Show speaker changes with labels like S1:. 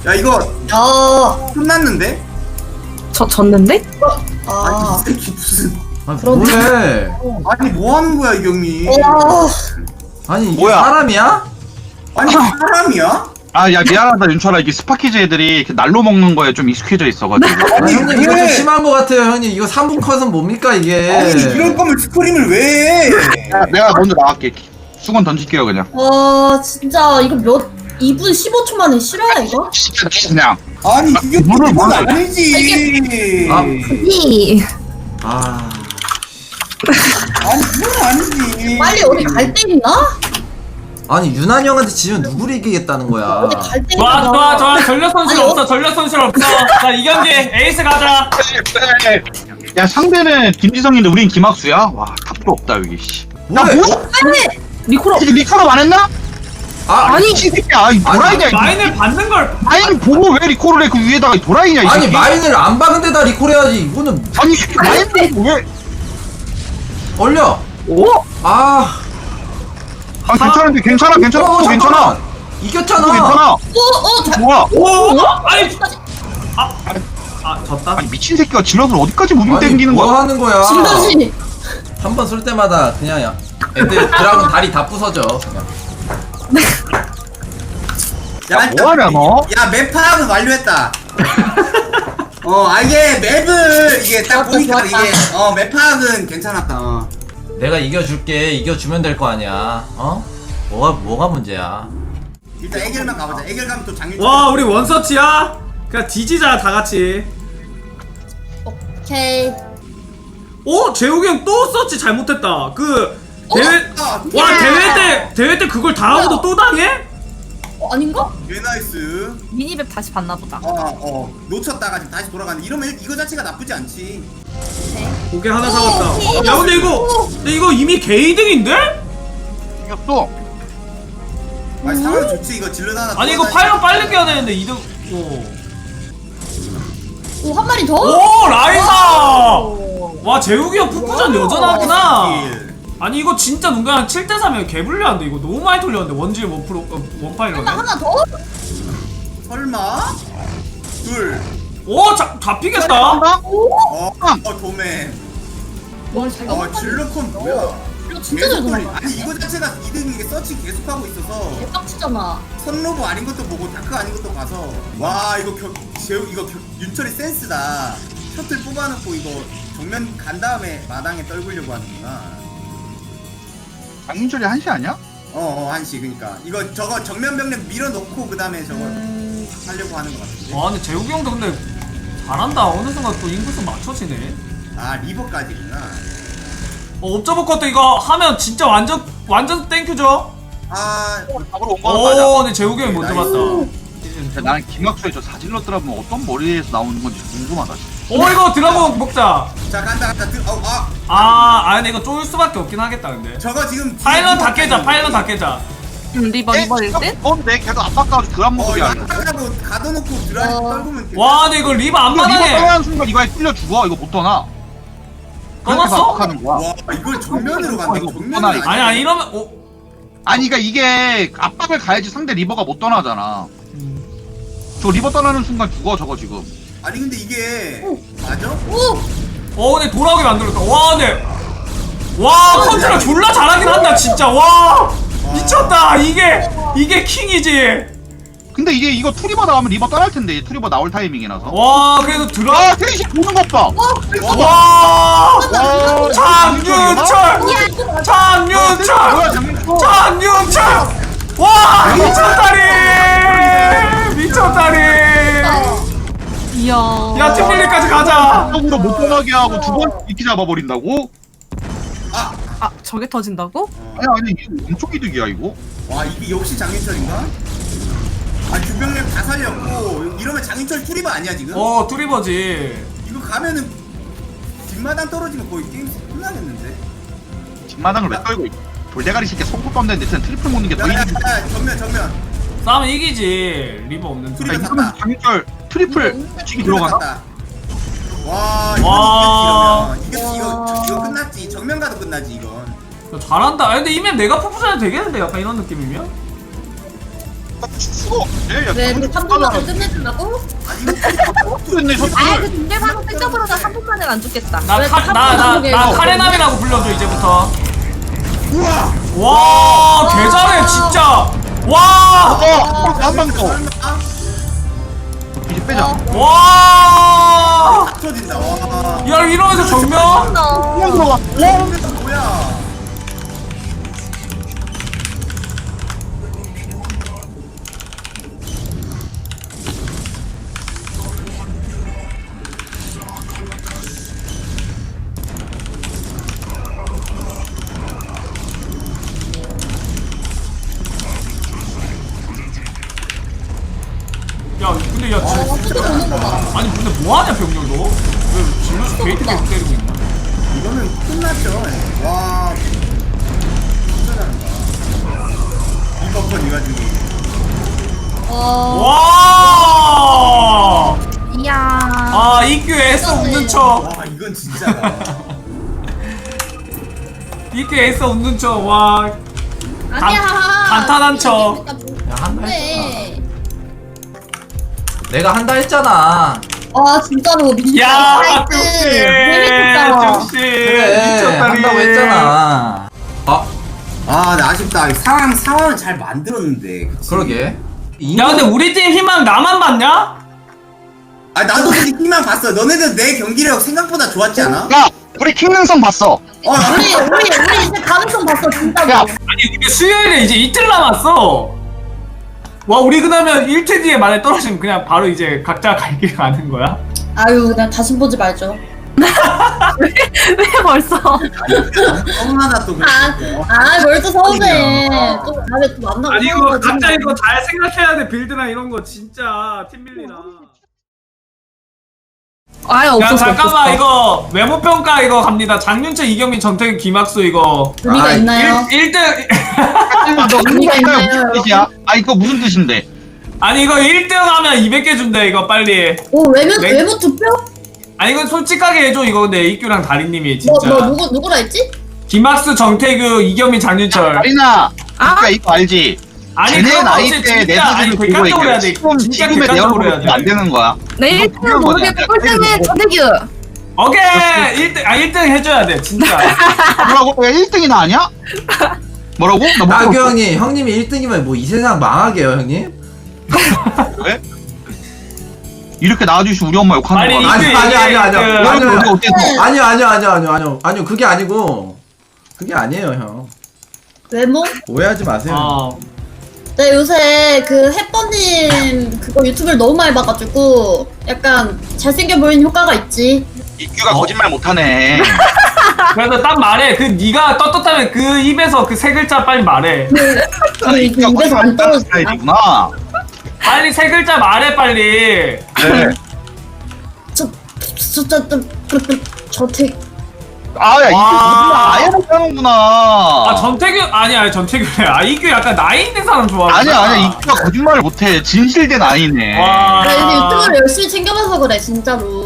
S1: 야 이거
S2: 야.
S1: 끝났는데?
S3: 졌는데?
S1: 아니 이 새끼 무슨
S4: 아니
S2: 그런데-
S4: 뭐해?
S1: 아니 뭐 하는 거야 이경이?
S2: 와.
S4: 아니 이게
S5: 뭐야?
S4: 사람이야?
S1: 아니 사람이야?
S5: 아, 야, 미안하다, 윤철아. 이게 스파키즈 애들이 이렇게 날로 먹는 거에 좀 익숙해져 있어가지고.
S4: 아니, 형님 이거 좀
S1: 왜?
S4: 심한 거 같아요 형님. 이거 3분 컷은 뭡니까 이게?
S1: 아니 이럴 거면 스크림을 왜 해?
S5: 야, 내가 먼저 나갈게. 수건 던질게요, 그냥.
S2: 와 진짜 이거 몇 2분 15초 만에 실화야 이거?
S5: 진짜 그냥.
S1: 아니 이게
S5: 물을
S1: 그건
S5: 먹어.
S1: 아니지.
S4: 아.
S3: 이
S4: 아
S1: 아니 그건 아니지.
S2: 빨리 어디 갈 데 있나?
S4: 아니 유난 형한테 지면 누구를 이기겠다는 거야?
S2: 어디 갈 데
S6: 좋아
S2: 있나?
S6: 좋아 좋아 전력 손실
S2: 아니,
S6: 없어 전력 손실 없어. 자 이 경기 에이스 가자.
S5: 야, 상대는 김지성인데 우린 김학수야? 와, 답도 없다, 여기, 씨. 야,
S4: 뭐해?
S5: 뭐?
S3: 리코라
S5: 이게 리커로 안 했나?
S4: 아
S5: 아니, 이 새끼야. 이 도라이냐, 이거.
S6: 마인을 받는 걸.
S5: 마인 보고 왜 리콜을 해? 그 위에다가 이 도라이냐, 이
S4: 아니
S5: 새끼.
S4: 마인을 안 박은 데다 리콜 해야지. 이거는
S5: 아니, 이 새끼 마인 보고 왜?
S4: 얼려.
S3: 오?
S4: 아.
S5: 아, 괜찮은데, 괜찮아.
S4: 잠깐만.
S5: 괜찮아.
S4: 이겼잖아.
S5: 괜찮아. 뭐야?
S6: 오 아니 아 졌다.
S5: 아니, 미친 새끼가 질럿을 어디까지 무빙
S4: 아니,
S5: 땡기는
S4: 뭐
S5: 거야?
S4: 하는 거야?
S2: 진짜지.
S4: 한 번 쏠 때마다 그냥 야 애들 드라군 다리 다 부서져. 그냥.
S1: 야,
S5: 뭐하냐, 너?
S1: 야맵 파악은 완료했다. 이게 맵을 이게 딱
S2: 좋았다,
S1: 보니까
S2: 좋았다.
S1: 이게 맵 파악은 괜찮았다.
S4: 내가 이겨줄게. 이겨주면 될 거 아니야. 어? 뭐가 문제야?
S1: 일단 애결만 가보자. 애결 가면 또 장일.
S6: 와 우리 원서치야. 그냥 뒤지자 다 같이.
S2: 오케이.
S6: 오 재욱이 형 또 서치 잘못했다. 그 대회 와
S2: 야.
S6: 대회 때 그걸 당하고도
S2: 뭐야?
S6: 또 당해?
S2: 아닌가?
S1: 개 나이스.
S3: 미니맵 다시 봤나 보다.
S1: 놓쳤다가 지금 다시 돌아가는. 이러면 이거 자체가 나쁘지 않지.
S6: 고개 하나 잡았다. 야 근데 이거 이미 개이득인데?
S5: 이겼어.
S1: 아니 상황 좋지. 이거 질러 하나.
S6: 아니 이거 파일럿 빨리 깨야 되는데 이득. 오.
S2: 오 한 마리 더?
S6: 오 라이사! 와 재욱이 형 풋풋전 여전하구나. 아니 이거 진짜 눈가랑 7대3이면 개불리한데 이거 너무 많이 돌렸는데 원질 원파일럿에.
S2: 하나 더?
S1: 설마? 둘.
S6: 오 잡히겠다.
S1: 도맨.
S2: 뭘 잘.
S1: 질러콘 뭐야?
S2: 이거 진짜 잘
S1: 계속
S2: 돌아.
S1: 아니 이거 자체가 2등인 게 서치 계속하고 있어서
S2: 개빡치잖아.
S1: 선로브 아닌 것도 보고 다크 아닌 것도 가서 와 이거 윤철이 센스다. 셔틀 뽑아놓고 이거 정면 간 다음에 마당에 떨구려고 하는구나.
S5: 장윤철이 한시 아니야?
S1: 한시. 그니까 이거 저거 정면 병력 밀어놓고 그 다음에 저거 하려고 하는 것 같은데.
S6: 와 근데 재욱이 형도 근데 잘한다. 어느 순간 또 인구수 맞춰지네.
S1: 아 리버까지구나.
S6: 옵저버 것도 이거 하면 진짜 완전 땡큐죠.
S5: 잡으러 온 거는 맞아.
S6: 오 근데 재욱이 형이 먼저 봤다.
S5: 진짜 나는 김학수의 저 사질러 드라면 어떤 머리에서 나오는 건지 궁금하다. 진짜.
S6: 오 이거 드라곤 먹자.
S1: 자 간다.
S6: 근데 이거 쫄 수밖에 없긴 하겠다 근데.
S1: 저거 지금
S6: 파일럿 다 깨자. 파일럿 다 깨자.
S3: 리버 1등?
S5: 뭔데? 걔도 압박가지고 드랍 모드야.
S1: 이거 하고 가둬놓고 드라이브 떨구면
S6: 와 근데 이거 리바
S5: 이거 리버
S6: 앞마당에
S5: 떠나는 순간 이거에 뚫려 죽어. 이거 못 떠나. 그렇게
S6: 떠났어?
S5: 압박하는 거야.
S1: 와 이걸 정면으로 간다.
S5: 이거
S1: 정면으로
S5: 뻔하니까.
S6: 아니 이러면
S5: 아니 그러니까 이게 압박을 가야지 상대 리버가 못 떠나잖아. 저 리버 떠나는 순간 죽어 저거 지금.
S1: 아니 근데 이게 맞아?
S6: 근데 돌아오게 만들었다. 와 근데 와 컨트롤 졸라 잘하긴 한다 진짜. 와 미쳤다. 이게 킹이지.
S5: 근데 이거 투리버 나오면 리버 떠날 텐데 투리버 나올 타이밍이라서.
S6: 와 그래도
S5: 아 테이시 보는 것 봐.
S6: 와
S5: 와
S6: 장윤철
S5: 뭐야
S6: 장윤철
S5: 장윤철.
S6: 장윤철 와 미쳤다리
S3: 이야.
S6: 야 팀밀리까지 가자.
S5: 으로 못 떠나게 하고 두 번 이렇게 잡아버린다고?
S3: 아 저게 터진다고?
S5: 아니 이거 엄청 이득이야 이거.
S1: 와 이게 역시 장윤철인가? 아 주병력 다 살렸고 이러면 장윤철 투리버 아니야 지금?
S6: 투리버지.
S1: 이거 가면은 뒷마당 떨어지면 거의 게임 끝나겠는데?
S5: 뒷마당을 왜 떨고 있어? 돌대가리 새끼 손톱 떴는데 진짜 트리플 먹는 게 더 이득이야.
S1: 정면
S6: 싸우면 이기지. 리버 없는 팀.
S1: 투리버
S5: 이러면 장윤철 트리플 치기 들어가나?
S1: 들어갔다. 와
S6: 와.
S1: 이건 이거 끝났지. 정면 가도 끝나지 이건.
S6: 잘한다. 근데 이맵 내가 푸푸전해도 되겠는데 약간 이런 느낌이면?
S5: 수가 없네. 야,
S2: 왜
S5: 근데
S2: 3분 만에 끝내준다고?
S1: 아니 이거
S5: 됐네, 저
S3: 아그 딩들방은 생각보다 나 3분 만에 안 죽겠다.
S6: 나 카레남이라고 불러줘 이제부터.
S1: 우와.
S6: 와 개잘해 진짜. 와.
S5: 한방 더. 이제 빼자.
S6: 와.
S1: 딱 터진다. 와.
S6: 야 이러면서 정면?
S5: 한방 들어가.
S1: 이거 뭐야?
S6: 야 근데 야 진-
S2: 진짜 오는 거 봐.
S6: 아니 근데 뭐하냐 병력 너? 왜 질러서 게이트 계속 때리고 있냐?
S1: 이거는 끝났죠. 와. 진짜 잘한다. 이 버퍼 네가 지금.
S2: 와.
S6: 와.
S3: 이야.
S6: 아 EQ 애써 웃는 척.
S1: 와 이건 진짜다.
S6: EQ 애써 웃는 척. 와.
S2: 아니야.
S6: 감탄한 척.
S4: 야 한다 했잖아.
S2: 네.
S4: 내가 한다 했잖아.
S2: 와 진짜로 미쳤다.
S6: 야
S2: 나이스.
S6: 역시
S2: 재밌었다.
S6: 역시
S4: 그래
S6: 미쳤다니.
S4: 한다고 했잖아. 아
S1: 아, 나 아쉽다. 상황은 잘 만들었는데. 그치?
S4: 그러게.
S6: 야 근데 우리 팀 희망 나만 봤냐?
S1: 아, 나도 근데 희망 봤어. 너네들 내 경기력 생각보다 좋았지 않아?
S5: 야, 우리 킹능성 봤어.
S2: 우리 이제 가능성 봤어 진짜로.
S5: 야,
S6: 아니 우리 수요일에 이제 이틀 남았어. 와 우리 그러면 1태 뒤에 만에 떨어지면 그냥 바로 이제 각자 갈 길 가는 거야?
S2: 아유 그냥 다시 보지 말죠.
S3: 왜 벌써?
S1: 서운하다 또.
S2: 뭘 또 서운해. 또 다음에 또 만나고.
S6: 아니 이거
S2: 서운하지.
S6: 각자 이거 잘 생각해야 돼. 빌드나 이런 거 진짜 팀 밀리나.
S3: 아예
S6: 야
S3: 없었어.
S6: 잠깐만 이거 외모 평가 이거 갑니다. 장윤철, 이경민, 정태균, 김학수 이거
S2: 의미가
S4: 아,
S2: 있나요?
S6: 1등
S5: 너
S2: 의미가 있나요?
S5: 무슨 뜻이야? 아, 이거 무슨 뜻인데?
S6: 아니 이거 1등 하면 200개 준대 이거 빨리.
S2: 오 외모
S6: 네.
S2: 외모 투표?
S6: 아니 이거 솔직하게 해줘 이거. 근데 이규랑 다리님이 진짜
S2: 너 누구라 했지?
S6: 김학수, 정태규, 이경민, 장윤철.
S5: 아리나, 그러니까 이거 알지?
S6: 아니
S5: 쟤네
S6: 그런 거
S5: 나이
S6: 없이
S5: 때 내
S6: 진짜 아니
S5: 수준을 보고
S6: 객관적으로 해야
S5: 얘기해.
S6: 돼. 진짜
S5: 지금의 내
S6: 객관적으로 해야
S5: 얼굴로 안
S6: 돼.
S5: 되는 거야.
S3: 내
S5: 이거
S3: 1등
S5: 그런
S3: 모르겠고
S5: 거냐?
S3: 꼴등은 전태규.
S6: 오케이 1등 1등 해줘야 돼 진짜.
S5: 뭐라고? 야, 1등이나 아니야? 뭐라고? 나
S4: 나규
S5: 뭐,
S4: 형님 형님이 1등이면 뭐 이 세상 망하게요 형님?
S5: 왜? 이렇게 나와주시면 우리 엄마 욕하는
S6: 아니,
S5: 거야.
S6: 이게-
S4: 아니요
S5: 아니, 우리 어때서?
S4: 아니요 그게 아니에요 형.
S2: 외모?
S4: 오해하지 마세요.
S6: 어.
S2: 네 요새 그 햇버님 그거 유튜브를 너무 많이 봐가지고 약간 잘생겨 보이는 효과가 있지.
S5: 이규가 거짓말 못하네.
S6: 그래서 딱 말해. 그 네가 떳떳하면 그 입에서 그 세 글자 빨리 말해.
S2: 그
S5: 이규가
S2: 입에서
S5: 거짓말
S2: 안
S5: 못하는
S2: 떨어지나?
S5: 스타일이구나.
S6: 빨리 세 글자 말해 빨리.
S5: 네.
S2: 저택.
S5: 아, 야, 이규
S6: 와.
S5: 거짓말 아예 못하는구나.
S6: 아 전태규 아니야 전태규래. 아 이규 약간 나이 있는 사람 좋아하는.
S5: 아니야, 이규가 거짓말을 못해. 진실된 아이네.
S6: 와.
S2: 나 요새 유튜브를 열심히 챙겨봐서 그래 진짜로.